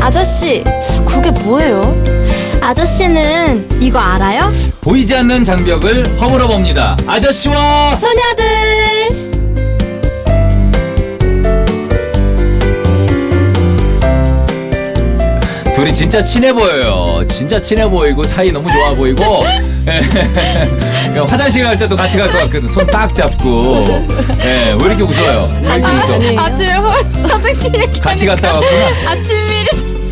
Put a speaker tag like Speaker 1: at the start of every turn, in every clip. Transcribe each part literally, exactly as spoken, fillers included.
Speaker 1: 아저씨, 그게 뭐예요?
Speaker 2: 아저씨는 이거 알아요?
Speaker 3: 보이지 않는 장벽을 허물어 봅니다. 아저씨와
Speaker 2: 소녀들!
Speaker 3: 둘이 진짜 친해 보여요. 진짜 친해 보이고 사이 너무 좋아 보이고 화장실 갈 때도 같이 갈 것 같거든. 손 딱 잡고. 예, 왜 이렇게 웃어요? 왜 이렇게 웃어?
Speaker 1: 아니.
Speaker 2: 아침에 화- 화장실에
Speaker 3: 같이 갔다 왔구나.
Speaker 2: 아침 미리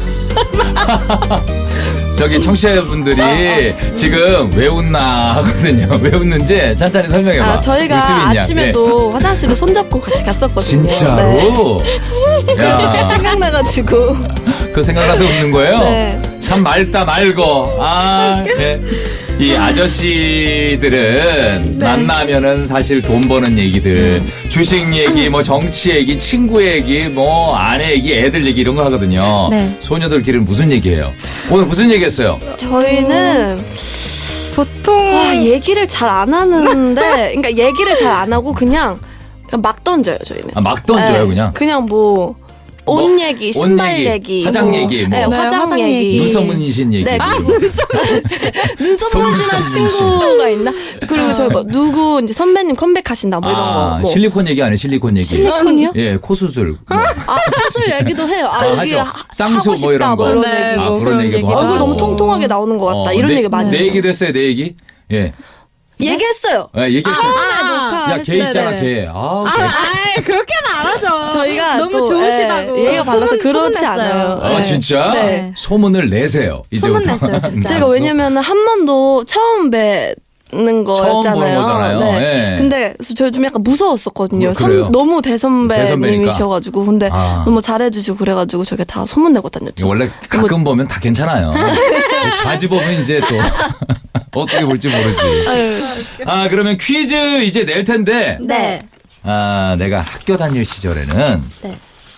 Speaker 3: 저기 청취자분들이 지금 왜 웃나 하거든요. 왜 웃는지 찬찬히 설명해봐.
Speaker 1: 아, 저희가
Speaker 3: 웃음이 있냐?
Speaker 1: 아침에도 화장실을 손잡고 같이 갔었거든요.
Speaker 3: 예. 진짜로?
Speaker 1: 네.
Speaker 3: 야,
Speaker 1: 생각나가지고.
Speaker 3: 그 생각나서 웃는 거예요?
Speaker 1: 네.
Speaker 3: 참 맑다 맑어. 아, 예. 이 아저씨들은
Speaker 1: 네.
Speaker 3: 만나면은 사실 돈 버는 얘기들, 주식 얘기, 뭐 정치 얘기, 친구 얘기, 뭐 아내 얘기, 애들 얘기 이런 거 하거든요.
Speaker 2: 네.
Speaker 3: 소녀들끼리는 무슨 얘기해요? 오늘 무슨 얘기했어요?
Speaker 1: 저희는
Speaker 2: 보통
Speaker 1: 와, 얘기를 잘 안 하는데, 그러니까 얘기를 잘 안 하고 그냥, 그냥 막 던져요, 저희는.
Speaker 3: 아, 막 던져요
Speaker 1: 네,
Speaker 3: 그냥.
Speaker 1: 그냥 뭐, 옷
Speaker 3: 뭐,
Speaker 1: 얘기,
Speaker 3: 옷
Speaker 1: 신발
Speaker 3: 얘기,
Speaker 1: 얘기,
Speaker 3: 화장
Speaker 1: 뭐,
Speaker 3: 얘기, 뭐.
Speaker 1: 네,
Speaker 2: 네,
Speaker 1: 화장
Speaker 2: 화장
Speaker 1: 얘기.
Speaker 2: 얘기.
Speaker 3: 눈썹문신 얘기.
Speaker 1: 네,
Speaker 3: 그리고.
Speaker 1: 눈썹문신한
Speaker 3: 속눈썹문신.
Speaker 1: 친구가 있나? 그리고 저희 뭐 누구 이제 선배님 컴백하신다 뭐 이런
Speaker 3: 아,
Speaker 1: 거. 뭐.
Speaker 3: 실리콘 얘기 아니에요? 실리콘 얘기.
Speaker 1: 실리콘이요?
Speaker 3: 예, 코 수술. 뭐.
Speaker 1: 아, 수술 얘기도 해요. 아,
Speaker 3: 아,
Speaker 1: 여기
Speaker 3: 하죠.
Speaker 1: 하,
Speaker 3: 쌍수
Speaker 1: 하고
Speaker 3: 뭐
Speaker 1: 싶다
Speaker 3: 이런 거.
Speaker 1: 뭐 이런
Speaker 2: 네,
Speaker 1: 얘기.
Speaker 3: 아,
Speaker 2: 뭐
Speaker 3: 그런
Speaker 2: 그런
Speaker 3: 얘기도
Speaker 2: 얘기도
Speaker 3: 하고.
Speaker 1: 얼굴 너무
Speaker 2: 하고.
Speaker 1: 통통하게 나오는 것 같다.
Speaker 3: 어,
Speaker 1: 이런
Speaker 3: 내,
Speaker 1: 얘기 많이
Speaker 3: 내
Speaker 1: 해요.
Speaker 3: 얘기도 했어요, 내 얘기? 예.
Speaker 1: 얘기했어요.
Speaker 3: 예, 얘기했어요.
Speaker 2: 아,
Speaker 3: 야, 걔 있잖아,
Speaker 2: 네네.
Speaker 3: 걔. 아,
Speaker 2: 아,
Speaker 3: 걔.
Speaker 2: 아이, 그렇게는 안 하죠.
Speaker 1: 저희가
Speaker 2: 너무
Speaker 1: 또,
Speaker 2: 좋으시다고.
Speaker 1: 예, 얘가 발라서
Speaker 2: 소문-
Speaker 1: 그렇지
Speaker 2: 소문냈어요.
Speaker 1: 않아요.
Speaker 3: 아,
Speaker 1: 네.
Speaker 3: 진짜?
Speaker 1: 네.
Speaker 3: 소문을 내세요. 이제부터.
Speaker 2: 소문냈어요, 진짜.
Speaker 1: 제가 왜냐면 한 번도 처음 뵙는 거였잖아요.
Speaker 3: 보는 거잖아요.
Speaker 1: 네.
Speaker 3: 예.
Speaker 1: 근데 그래서 저 좀 약간 무서웠었거든요.
Speaker 3: 뭐, 그래요?
Speaker 1: 선, 너무 대선배님이셔가지고 근데
Speaker 3: 아.
Speaker 1: 너무 잘해주시고 그래가지고 저게 다 소문내고 다녔죠.
Speaker 3: 원래 가끔 보면 다 괜찮아요. 자주 보면 이제 또 어떻게 볼지 모르지.
Speaker 1: 아유.
Speaker 3: 아, 그러면 퀴즈 이제 낼 텐데.
Speaker 2: 네.
Speaker 3: 아, 내가 학교 다닐 시절에는
Speaker 2: 네.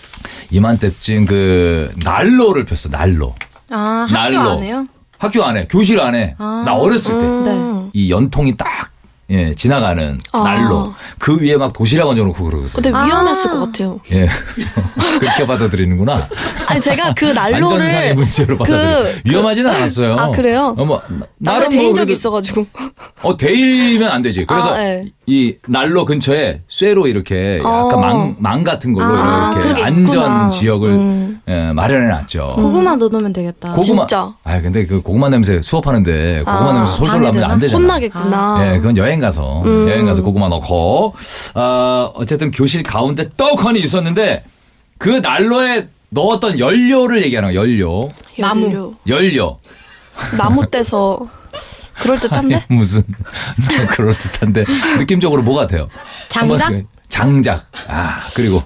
Speaker 3: 이맘때쯤 그 난로를 폈어, 난로.
Speaker 2: 아, 학교
Speaker 3: 난로.
Speaker 2: 안에요?
Speaker 3: 학교 안에, 교실 안에.
Speaker 2: 아.
Speaker 3: 나 어렸을 때.
Speaker 1: 음.
Speaker 3: 이 연통이 딱, 예, 지나가는
Speaker 1: 아.
Speaker 3: 난로. 그 위에 막 도시락 얹어놓고 그러거든.
Speaker 1: 근데
Speaker 2: 아.
Speaker 1: 위험했을 것 같아요.
Speaker 3: 예. 그렇게 받아들이는구나.
Speaker 1: 아니 제가 그
Speaker 3: 안전상의
Speaker 1: 난로를
Speaker 3: 문제로 받아들여. 위험하지는 않았어요.
Speaker 1: 아, 그래요?
Speaker 3: 어, 뭐,
Speaker 1: 나를
Speaker 3: 나름
Speaker 1: 대인
Speaker 3: 뭐
Speaker 1: 적이
Speaker 3: 그래도
Speaker 1: 있어가지고
Speaker 3: 어, 데이면 안 되지. 그래서
Speaker 1: 아, 네.
Speaker 3: 이 난로 근처에 쇠로 이렇게 약간
Speaker 1: 어.
Speaker 3: 망, 망 같은 걸로
Speaker 1: 아,
Speaker 3: 이렇게
Speaker 1: 그렇게
Speaker 3: 안전
Speaker 1: 있구나.
Speaker 3: 지역을
Speaker 1: 음.
Speaker 3: 예, 마련해 놨죠.
Speaker 2: 고구마 넣어놓으면 되겠다.
Speaker 3: 고구마.
Speaker 1: 진짜.
Speaker 3: 아, 근데 그 고구마 냄새 수업하는데 고구마
Speaker 1: 아,
Speaker 3: 냄새 솔솔
Speaker 2: 방해되나?
Speaker 3: 나면 안 되잖아.
Speaker 1: 혼나겠구나.
Speaker 3: 예, 그건 여행 가서
Speaker 1: 음.
Speaker 3: 여행 가서 고구마 넣고 어, 어쨌든 교실 가운데 떡하니 있었는데 그 난로에 넣었던 연료를 얘기하는 거야. 연료.
Speaker 2: 나무.
Speaker 1: 연료.
Speaker 3: 연료.
Speaker 1: 나무 떼서 그럴 듯한데?
Speaker 3: 무슨 그럴 듯한데 느낌적으로 뭐 같아요?
Speaker 2: 장작?
Speaker 3: 한번 그- 장작. 아, 그리고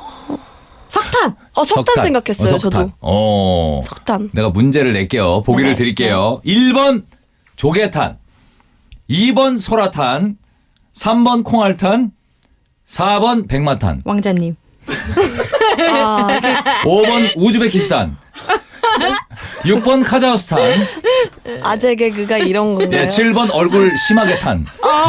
Speaker 2: 석탄.
Speaker 1: 어 석탄, 생각했어요.
Speaker 3: 어, 석탄.
Speaker 1: 저도
Speaker 3: 어.
Speaker 1: 석탄.
Speaker 3: 내가 문제를 낼게요. 보기를
Speaker 1: 네,
Speaker 3: 드릴게요. 일 번 조개탄, 이 번 소라탄, 삼 번 콩알탄, 사 번 백마탄,
Speaker 2: 왕자님.
Speaker 1: 아, 이게
Speaker 3: 오 번 우즈베키스탄, 육 번 카자흐스탄,
Speaker 1: 아재 개그가 이런 건가요?
Speaker 3: 예, 칠 번 얼굴 심하게 탄.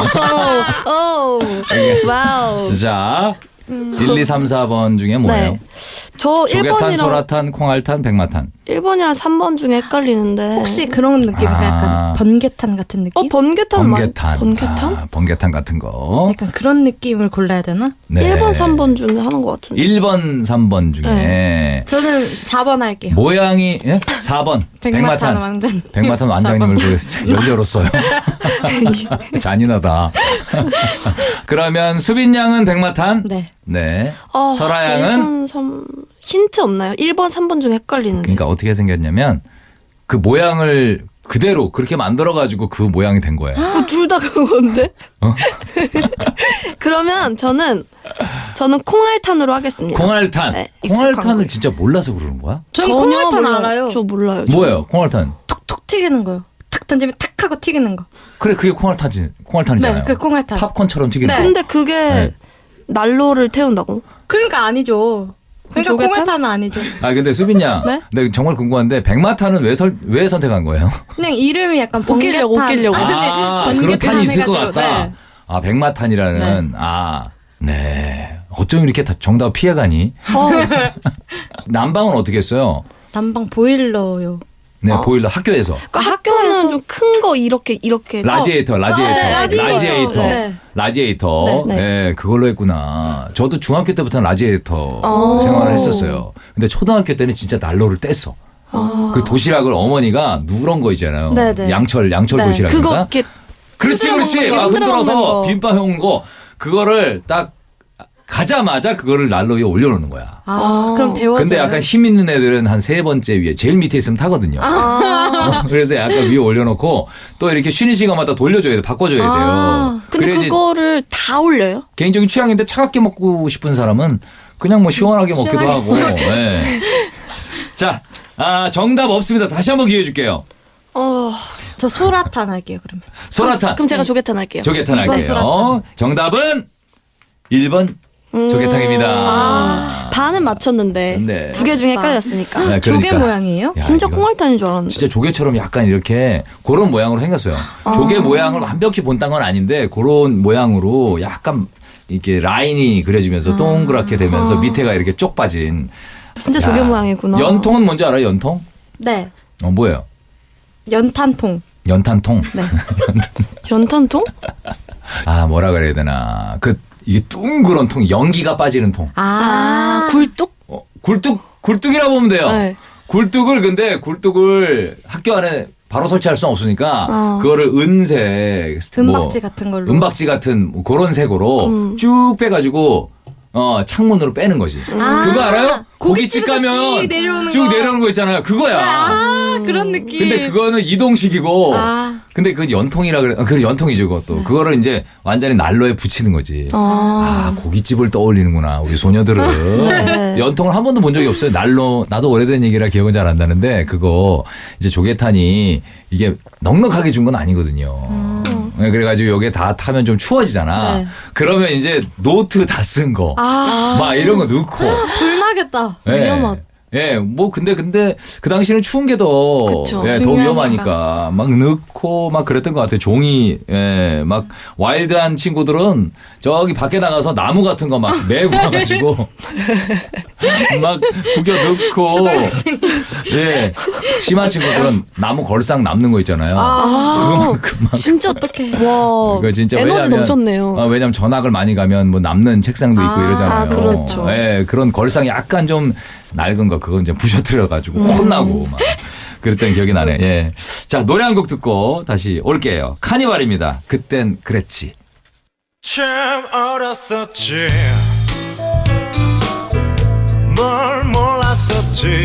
Speaker 1: 오, 와우.
Speaker 3: 자, 일, 이, 삼, 사 번 중에 뭐예요?
Speaker 1: 네. 저
Speaker 3: 조개탄,
Speaker 1: 일 번이랑
Speaker 3: 소라탄, 콩알탄, 백마탄.
Speaker 1: 일 번이랑 삼 번 중에 헷갈리는데.
Speaker 2: 혹시 그런 느낌일까?
Speaker 3: 아.
Speaker 2: 약간 번개탄 같은 느낌?
Speaker 1: 어 번개탄 맞
Speaker 3: 번개탄.
Speaker 1: 번개탄?
Speaker 3: 아, 번개탄 같은 거.
Speaker 2: 약간 그런 느낌을 골라야 되나?
Speaker 3: 네.
Speaker 1: 일 번, 삼 번 중에 하는 것 같은데.
Speaker 3: 일 번, 삼 번 중에
Speaker 1: 네.
Speaker 2: 저는 사 번 할게요.
Speaker 3: 모양이 예? 사 번
Speaker 2: 백마탄
Speaker 3: 백마탄
Speaker 2: 왕자님.
Speaker 3: 백마탄 왕장님을 그 연료로 써요. 잔인하다. 그러면 수빈 양은 백마탄.
Speaker 2: 네.
Speaker 3: 네.
Speaker 1: 아,
Speaker 3: 설아
Speaker 1: 일
Speaker 3: 양은
Speaker 1: 번, 삼 힌트 없나요? 일 번, 삼 번 중에 헷갈리는데.
Speaker 3: 그러니까 어떻게 생겼냐면 그 모양을 그대로 그렇게 만들어 가지고 그 모양이 된 거예요.
Speaker 1: 둘 다 그건데.
Speaker 3: 어?
Speaker 1: 그러면 저는 저는 콩알탄으로 하겠습니다.
Speaker 3: 콩알탄.
Speaker 1: 네, 익숙한
Speaker 3: 콩알탄을
Speaker 1: 거예요.
Speaker 3: 진짜 몰라서 그러는 거야?
Speaker 2: 저는
Speaker 1: 전혀
Speaker 2: 콩알탄
Speaker 1: 몰라요.
Speaker 2: 알아요.
Speaker 1: 저 몰라요. 저.
Speaker 3: 뭐예요? 콩알탄.
Speaker 2: 툭툭 튀기는 거요. 탁 던지면 탁 하고 튀기는 거.
Speaker 3: 그래 그게 콩알탄이지. 콩알탄이잖아요.
Speaker 2: 네, 그 콩알탄.
Speaker 3: 팝콘처럼 튀기는 거.
Speaker 1: 근데 그게
Speaker 3: 네.
Speaker 1: 난로를 태운다고?
Speaker 2: 그러니까 아니죠. 그러니까
Speaker 1: 조개탄?
Speaker 2: 콩알탄은 아니죠.
Speaker 3: 아 근데 수빈 양,
Speaker 2: 네?
Speaker 3: 내가 정말 궁금한데 백마탄은 왜, 설, 왜 선택한 거예요?
Speaker 2: 그냥 이름이 약간
Speaker 1: 웃기려고,
Speaker 2: 번개탄.
Speaker 1: 웃기려고.
Speaker 3: 아,
Speaker 2: 번개탄
Speaker 3: 그런 탄이 있을 것
Speaker 2: 해가지고,
Speaker 3: 같다.
Speaker 2: 네.
Speaker 3: 아, 백마탄이라는, 아, 네. 어쩜 이렇게 다 정답 피해가니?
Speaker 1: 어,
Speaker 3: 난방은 어떻게 했어요?
Speaker 2: 난방 보일러요.
Speaker 3: 네,
Speaker 1: 어.
Speaker 3: 보일러 학교에서.
Speaker 1: 그러니까 학교는 좀 큰 거 이렇게 이렇게
Speaker 3: 라지에이터, 라지에이터,
Speaker 1: 네, 라디에이터.
Speaker 3: 라지에이터,
Speaker 2: 네.
Speaker 3: 라지에이터.
Speaker 1: 네.
Speaker 3: 네, 그걸로 했구나. 저도 중학교 때부터 라지에이터
Speaker 1: 어.
Speaker 3: 생활을 했었어요. 근데 초등학교 때는 진짜 난로를 뗐어.
Speaker 1: 아.
Speaker 3: 그 도시락을 어머니가 누런 거 있잖아요.
Speaker 2: 네, 네.
Speaker 3: 양철, 양철
Speaker 2: 네.
Speaker 3: 도시락인가?
Speaker 1: 그거 이렇게
Speaker 3: 그렇지,
Speaker 1: 흔들어
Speaker 3: 그렇지.
Speaker 1: 먹는 거,
Speaker 3: 막
Speaker 1: 흔들어
Speaker 3: 흔들어서
Speaker 1: 먹는 거.
Speaker 3: 비빔밥 해온 거 그거를 딱 가자마자 그거를 난로 위에 올려놓는 거야.
Speaker 2: 아,
Speaker 1: 아.
Speaker 2: 그럼 데워져요.
Speaker 3: 근데 약간 힘 있는 애들은 한 세 번째 위에 제일 밑에 있으면 타거든요.
Speaker 1: 아.
Speaker 3: 어, 그래서 약간 위에 올려놓고 또 이렇게 쉬는 시간마다 돌려줘야 돼, 바꿔줘야 돼요.
Speaker 2: 아.
Speaker 1: 근데
Speaker 3: 그래야지
Speaker 1: 그거를 다 올려요?
Speaker 3: 개인적인 취향인데 차갑게 먹고 싶은 사람은 그냥 뭐 시원하게 먹기도 하고. 네. 자, 아, 정답 없습니다. 다시 한번 기회 줄게요.
Speaker 1: 어.
Speaker 2: 저 소라탄 할게요, 그러면.
Speaker 3: 소라탄.
Speaker 1: 그럼 제가 조개탄 할게요.
Speaker 3: 조개탕
Speaker 2: 이 번
Speaker 3: 할게요.
Speaker 2: 소라탕.
Speaker 3: 정답은 일 번
Speaker 1: 음.
Speaker 3: 조개탕입니다.
Speaker 2: 아.
Speaker 1: 반은 맞췄는데
Speaker 3: 네.
Speaker 1: 두 개 중에 헷갈렸으니까.
Speaker 3: 네,
Speaker 2: 조개
Speaker 3: 그러니까.
Speaker 2: 모양이에요?
Speaker 3: 야,
Speaker 1: 진짜
Speaker 3: 이거
Speaker 1: 콩알탄인 줄 알았는데.
Speaker 3: 진짜 조개처럼 약간 이렇게 그런 모양으로 생겼어요.
Speaker 1: 아.
Speaker 3: 조개 모양을 완벽히 본딴 건 아닌데 그런 모양으로 약간 이렇게 라인이 그려지면서 동그랗게 되면서
Speaker 1: 아.
Speaker 3: 밑에가 이렇게 쪽 빠진.
Speaker 1: 진짜
Speaker 3: 야,
Speaker 1: 조개 모양이구나.
Speaker 3: 연통은 뭔지 알아요? 연통?
Speaker 2: 네.
Speaker 3: 어, 뭐예요?
Speaker 2: 연탄통.
Speaker 3: 연탄통?
Speaker 2: 네.
Speaker 1: 연탄통?
Speaker 3: 아, 뭐라 그래야 되나. 그, 이게 둥그런 통, 연기가 빠지는 통.
Speaker 1: 아, 굴뚝?
Speaker 3: 어, 굴뚝, 굴뚝이라 보면 돼요.
Speaker 1: 네.
Speaker 3: 굴뚝을 근데 굴뚝을 학교 안에 바로 설치할 수는 없으니까
Speaker 1: 어.
Speaker 3: 그거를 은색,
Speaker 2: 은박지
Speaker 3: 뭐,
Speaker 2: 같은 걸로.
Speaker 3: 은박지 같은 뭐 그런 색으로
Speaker 1: 음.
Speaker 3: 쭉 빼가지고 어 창문으로 빼는 거지.
Speaker 2: 아,
Speaker 3: 그거 알아요? 고깃집
Speaker 2: 고깃집에서
Speaker 3: 가면
Speaker 2: 쭉 내려오는
Speaker 3: 쭉
Speaker 2: 거.
Speaker 3: 내려오는 거 있잖아요. 그거야.
Speaker 2: 아, 그런 느낌.
Speaker 3: 근데 그거는 이동식이고.
Speaker 2: 아.
Speaker 3: 근데 그 연통이라 그래. 아, 그 연통이죠, 그것도. 그거를 이제 완전히 난로에 붙이는 거지.
Speaker 1: 아.
Speaker 3: 아, 고깃집을 떠올리는구나, 우리 소녀들은.
Speaker 1: 네.
Speaker 3: 연통을 한 번도 본 적이 없어요. 난로, 나도 오래된 얘기라 기억은 잘 안 나는데, 그거, 이제 조개탄이 이게 넉넉하게 준 건 아니거든요. 네, 그래가지고 여기에 다 타면 좀 추워지잖아.
Speaker 2: 네.
Speaker 3: 그러면 이제 노트 다 쓴 거.
Speaker 2: 아,
Speaker 3: 막 이런 거 넣고.
Speaker 2: 불나겠다.
Speaker 3: 예.
Speaker 1: 위험하다.
Speaker 3: 예, 뭐 근데 근데 그 당시에는 추운 게 더
Speaker 1: 그쵸.
Speaker 3: 예, 더
Speaker 2: 중요하니까.
Speaker 3: 위험하니까 막 넣고 막 그랬던 것 같아요. 종이 예, 막 와일드한 친구들은 저기 밖에 나가서 나무 같은 거 막 메고 와가지고 막 구겨 넣고 예, 심한 친구들은 나무 걸상 남는 거 있잖아요.
Speaker 1: 아,
Speaker 3: 그거만큼 막
Speaker 1: 진짜 어떡해. 와.
Speaker 3: 이거 진짜
Speaker 1: 에너지
Speaker 3: 왜냐면,
Speaker 1: 넘쳤네요.
Speaker 3: 어, 왜냐면 전학을 많이 가면 뭐 남는 책상도 있고
Speaker 2: 아,
Speaker 3: 이러잖아요.
Speaker 1: 그렇죠.
Speaker 3: 예, 그런 걸상 약간 좀 낡은 거 그건 이제 부셔뜨려 가지고
Speaker 1: 음.
Speaker 3: 혼나고 막 그랬던 기억이 나네. 예. 자, 노래 한 곡 듣고 다시 올게요. 카니발입니다. 그땐 그랬지.
Speaker 4: 참 어렸었지 뭘 몰랐었지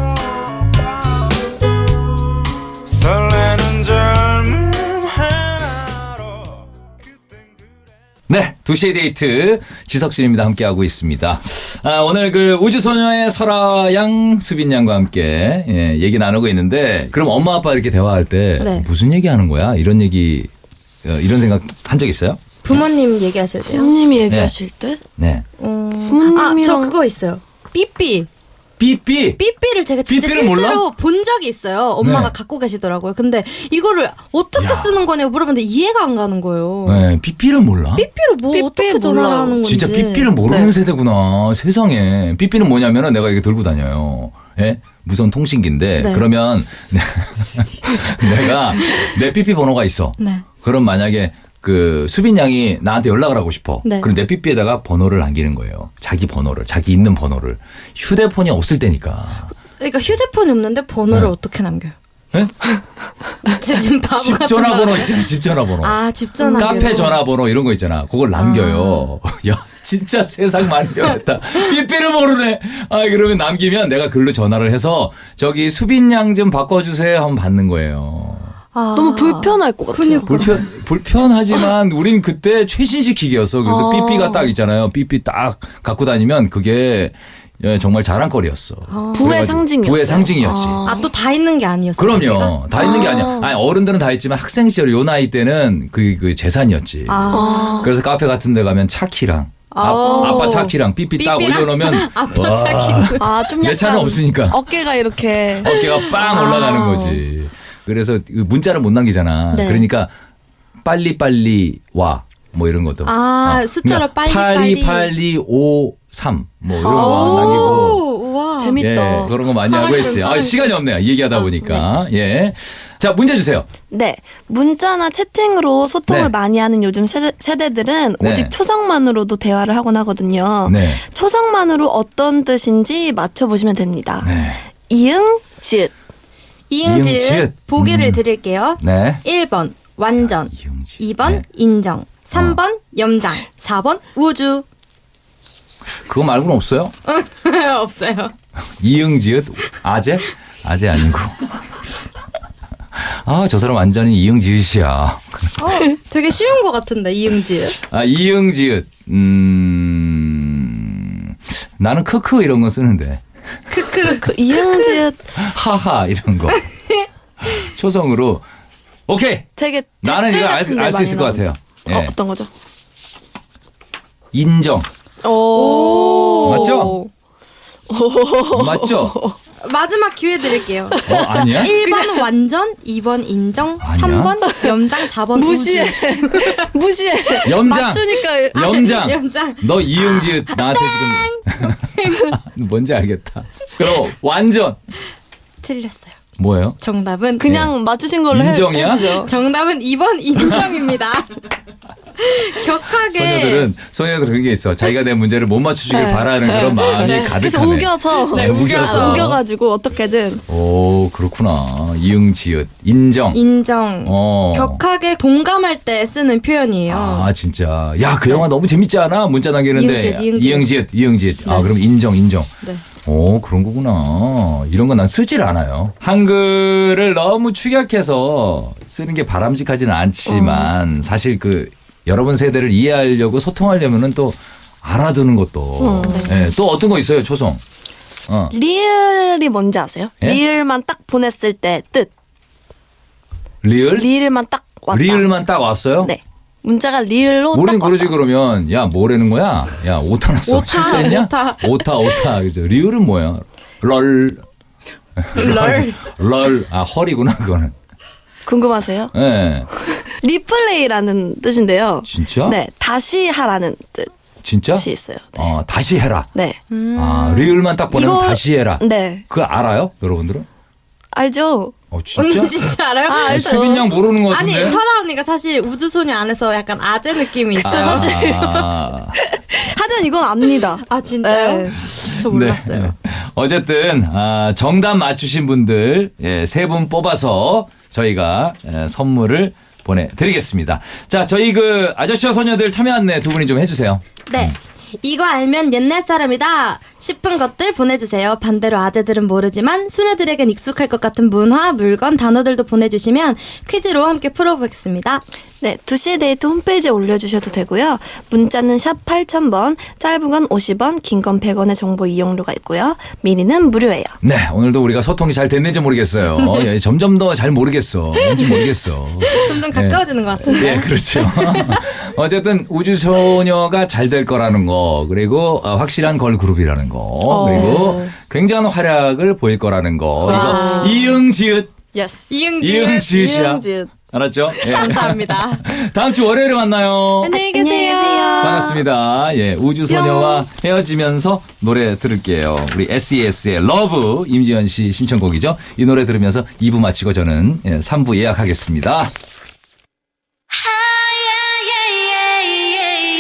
Speaker 4: 설레는 젊음 하나로 그땐 그래
Speaker 3: 네, 두 시의 데이트 지석진입니다. 함께하고 있습니다. 아, 오늘 그 우주소녀의 설아양, 수빈양과 함께 예, 얘기 나누고 있는데 그럼 엄마 아빠 이렇게 대화할 때
Speaker 2: 네.
Speaker 3: 무슨 얘기하는 거야? 이런 얘기 어, 이런 생각 한 적 있어요?
Speaker 2: 부모님 얘기하실 때요?
Speaker 1: 부모님이 얘기하실 때?
Speaker 3: 네.
Speaker 2: 음,
Speaker 1: 부모님이랑-
Speaker 2: 아, 저 그거 있어요. 삐삐.
Speaker 3: 삐삐.
Speaker 2: 삐삐를 제가 진짜
Speaker 3: 삐삐를
Speaker 2: 실제로
Speaker 3: 몰라?
Speaker 2: 본 적이 있어요. 엄마가
Speaker 3: 네.
Speaker 2: 갖고 계시더라고요. 근데 이거를 어떻게
Speaker 3: 야.
Speaker 2: 쓰는 거냐고 물어봤는데 이해가 안 가는 거예요.
Speaker 3: 네, 삐삐를 몰라?
Speaker 2: 삐삐를 뭐
Speaker 1: 삐삐
Speaker 2: 어떻게
Speaker 1: 몰라요.
Speaker 2: 전화를 하는 건지.
Speaker 3: 진짜 삐삐를 모르는
Speaker 1: 네.
Speaker 3: 세대구나. 세상에. 삐삐는 뭐냐면은 내가 이게 들고 다녀요. 예? 무선 통신기인데
Speaker 2: 네.
Speaker 3: 그러면 내가 내 삐삐 번호가 있어.
Speaker 2: 네.
Speaker 3: 그럼 만약에 그 수빈 양이 나한테 연락을 하고 싶어.
Speaker 2: 네.
Speaker 3: 그럼 내 삐삐에다가 번호를 남기는 거예요. 자기 번호를, 자기 있는 번호를. 휴대폰이 없을 때니까.
Speaker 2: 그러니까 휴대폰이 없는데 번호를
Speaker 3: 네.
Speaker 2: 어떻게 남겨요?
Speaker 3: 예?
Speaker 2: 제 지금 바보
Speaker 3: 집
Speaker 2: 같은
Speaker 3: 전화번호
Speaker 2: 말.
Speaker 3: 있잖아. 집 전화번호.
Speaker 2: 아, 집 전화.
Speaker 3: 카페 전화번호 이런 거 있잖아. 그걸 남겨요. 야, 진짜 세상 많이 변했다. 삐삐를 모르네. 아, 그러면 남기면 내가 글로 전화를 해서 저기 수빈 양 좀 바꿔주세요 하면 받는 거예요.
Speaker 2: 아.
Speaker 1: 너무 불편할 것 같아요.
Speaker 2: 그니까.
Speaker 3: 불편, 불편하지만 우린 그때 최신식 기기였어. 그래서
Speaker 1: 아.
Speaker 3: 삐삐가 딱 있잖아요. 삐삐 딱 갖고 다니면 그게 예, 정말 자랑거리였어.
Speaker 2: 아.
Speaker 1: 부의
Speaker 3: 그래가지고
Speaker 1: 상징이었어요.
Speaker 3: 부의 상징이었지.
Speaker 1: 아.
Speaker 2: 아, 또 다 있는 게 아니었어요.
Speaker 3: 그럼요. 다 있는 게
Speaker 1: 아.
Speaker 3: 아니야. 아니, 어른들은 다 있지만 학생 시절 요 나이 때는 그, 그 재산이었지.
Speaker 2: 아.
Speaker 3: 그래서 카페 같은 데 가면 차키랑 아,
Speaker 2: 오.
Speaker 3: 아빠 차키랑 삐삐 딱
Speaker 2: 삐삐랑
Speaker 3: 올려놓으면
Speaker 2: 아빠
Speaker 3: 와,
Speaker 2: 차키는.
Speaker 1: 아, 좀
Speaker 3: 내
Speaker 1: 약간
Speaker 3: 차는 없으니까.
Speaker 1: 어깨가 이렇게
Speaker 3: 어깨가 빵
Speaker 1: 아.
Speaker 3: 올라가는 거지. 그래서 그 문자를 못 남기잖아.
Speaker 2: 네.
Speaker 3: 그러니까 빨리빨리 와. 뭐 이런 것도.
Speaker 2: 아, 숫자로 빨리빨리.
Speaker 3: 팔이팔이오삼 뭐 이런 거
Speaker 2: 오,
Speaker 3: 남기고.
Speaker 2: 우와.
Speaker 1: 재밌다.
Speaker 3: 예, 그런 거 많이 하고 했지. 아, 시간이 없네요. 이 얘기하다 보니까. 예. 자, 문제 주세요.
Speaker 1: 네. 문자나 채팅으로 소통을
Speaker 3: 네.
Speaker 1: 많이 하는 요즘 세대, 세대들은
Speaker 3: 네.
Speaker 1: 오직 초성만으로도 대화를 하곤 하거든요.
Speaker 3: 네.
Speaker 1: 초성만으로 어떤 뜻인지 맞춰보시면 됩니다.
Speaker 3: 네.
Speaker 1: 이응, 지읒.
Speaker 2: 이응지읒
Speaker 3: 이응지읒.
Speaker 2: 보기를
Speaker 3: 음.
Speaker 2: 드릴게요.
Speaker 3: 네.
Speaker 2: 일 번 완전,
Speaker 3: 이응지읒.
Speaker 2: 이 번
Speaker 3: 네.
Speaker 2: 인정, 삼 번 염장, 사 번 우주.
Speaker 3: 그거 말고는 없어요?
Speaker 2: 없어요.
Speaker 3: 이응지읒 아재? 아재 아니고. 아, 저 사람 완전히 이응지읒이야.
Speaker 2: 어, 되게 쉬운 것 같은데 이응지읒.
Speaker 3: 아, 이응지읒. 음. 나는 크크 이런 거 쓰는데.
Speaker 2: 크크.
Speaker 1: 그 이응, 지읒
Speaker 3: 하하 이런 거. 초성으로. 오케이.
Speaker 1: 되게
Speaker 3: 나는
Speaker 1: 댓글
Speaker 3: 이거 알,
Speaker 1: 같은데
Speaker 3: 알 수
Speaker 1: 많이
Speaker 3: 있을 것
Speaker 1: 나오는데.
Speaker 3: 같아요. 예.
Speaker 1: 어, 어떤 거죠?
Speaker 3: 인정.
Speaker 1: 오.
Speaker 3: 맞죠? 맞죠?
Speaker 2: 마지막 기회 드릴게요.
Speaker 3: 어, 아니야?
Speaker 2: 일 번 완전, 이 번 인정,
Speaker 3: 아니야?
Speaker 2: 삼 번 염장, 사 번
Speaker 1: 무시해.
Speaker 2: 우주.
Speaker 1: 무시해.
Speaker 3: 염장.
Speaker 1: 맞추니까
Speaker 3: 염장.
Speaker 2: 염장.
Speaker 3: 너 이응지읒 나한테 지금 뭔지 알겠다. 그럼 완전
Speaker 2: 틀렸어요.
Speaker 3: 뭐예요?
Speaker 2: 정답은
Speaker 1: 그냥 맞추신 걸로 해,
Speaker 3: 인정이야?
Speaker 1: 해주죠.
Speaker 2: 정답은 이 번 인정입니다. 격하게.
Speaker 3: 소녀들은 소녀들은 그런 게 있어. 자기가 내 문제를 못 맞추시길
Speaker 1: 네.
Speaker 3: 바라는 그런 마음이
Speaker 1: 그래서
Speaker 3: 가득하네.
Speaker 1: 우겨서
Speaker 3: 네, 우겨서.
Speaker 1: 우겨가지고 어떻게든
Speaker 3: 오, 그렇구나. 이응지읒 인정.
Speaker 2: 인정.
Speaker 3: 어.
Speaker 2: 격하게 동감할 때 쓰는 표현이에요.
Speaker 3: 아, 진짜. 야, 그 영화 너무 재밌지 않아? 문자 남기는데.
Speaker 2: 이응지읒, 이응지읒.
Speaker 3: 이응지읒, 이응지읒. 아, 그럼 인정, 인정.
Speaker 2: 네.
Speaker 3: 오, 그런 거구나. 이런 건 난 쓰질 않아요. 한글을 너무 축약해서 쓰는 게 바람직하지는 않지만 사실 그 여러분 세대를 이해하려고 소통하려면은 또 알아두는 것도. 예, 또 어떤 거 있어요, 초성? 어.
Speaker 1: 리을이 뭔지 아세요?
Speaker 3: 예?
Speaker 1: 리을만 딱 보냈을 때 뜻.
Speaker 3: 리을?
Speaker 1: 리을만 딱 왔다.
Speaker 3: 리을만 딱 왔어요?
Speaker 1: 네. 문자가 리을로
Speaker 3: 우린
Speaker 1: 딱
Speaker 3: 그러지
Speaker 1: 왔다.
Speaker 3: 그러면 야 뭐라는 거야? 야 오타 났어.
Speaker 2: 오타,
Speaker 3: 실수했냐?
Speaker 2: 오타.
Speaker 3: 오타 오타. 그죠? 리을은 뭐야? 럴.
Speaker 2: 럴.
Speaker 3: 럴. 아 헐이구나 그거는.
Speaker 1: 궁금하세요?
Speaker 3: 예. 네.
Speaker 1: 리플레이라는 뜻인데요.
Speaker 3: 진짜?
Speaker 1: 네. 다시 하라는
Speaker 3: 진짜?
Speaker 1: 뜻이 있어요. 네.
Speaker 3: 어 다시 해라.
Speaker 1: 네.
Speaker 3: 아 리을만 딱 보내면
Speaker 1: 이거-
Speaker 3: 다시 해라.
Speaker 1: 네.
Speaker 3: 그거 알아요? 여러분들은?
Speaker 1: 알죠?
Speaker 3: 어 진짜?
Speaker 2: 언니 진짜 알아요?
Speaker 1: 아,
Speaker 3: 아니,
Speaker 1: 알죠.
Speaker 3: 수빈 양 모르는 것
Speaker 2: 아니
Speaker 3: 같은데.
Speaker 2: 설아 언니가 사실 우주소녀 안에서 약간 아재 느낌이 있어요.
Speaker 3: 아,
Speaker 2: 사실.
Speaker 3: 아,
Speaker 1: 하지만 이건 압니다.
Speaker 2: 아 진짜요?
Speaker 1: 네.
Speaker 2: 저 몰랐어요.
Speaker 3: 네. 어쨌든 아, 정답 맞추신 분들 예, 세 분 뽑아서 저희가 예, 선물을 보내드리겠습니다. 자, 저희 그 아저씨와 소녀들 참여 안내 두 분이 좀 해주세요.
Speaker 2: 네. 이거 알면 옛날 사람이다 싶은 것들 보내주세요. 반대로 아재들은 모르지만 소녀들에겐 익숙할 것 같은 문화, 물건, 단어들도 보내주시면 퀴즈로 함께 풀어보겠습니다.
Speaker 1: 네, 두 시의 데이트 홈페이지에 올려주셔도 되고요. 문자는 샵 팔천 번, 짧은 건 오십 원, 긴 건 백 원의 정보 이용료가 있고요. 미니는 무료예요.
Speaker 3: 네, 오늘도 우리가 소통이 잘 됐는지 모르겠어요. 예, 점점 더 잘 모르겠어. 뭔지 모르겠어.
Speaker 2: 점점 가까워지는 것 같은데.
Speaker 3: 네, 그렇죠. 어쨌든 우주소녀가 잘 될 거라는 거, 그리고 어, 확실한 걸그룹이라는 거, 그리고 굉장한 활약을 보일 거라는 거.
Speaker 2: 와.
Speaker 3: 이거 이응지읒,
Speaker 1: 예스.
Speaker 2: 이응지.
Speaker 3: 이응지읒이야.
Speaker 1: 이응지읒.
Speaker 3: 알았죠? 예.
Speaker 2: 감사합니다.
Speaker 3: 다음 주 월요일에 만나요.
Speaker 2: 안녕히
Speaker 1: 안녕히
Speaker 2: 계세요.
Speaker 1: 계세요.
Speaker 3: 반갑습니다. 예, 우주소녀와 헤어지면서 노래 들을게요. 우리 에스이에스의 러브 임지연 씨 신청곡이죠. 이 노래 들으면서 이 부 마치고 저는 예, 삼 부 예약하겠습니다.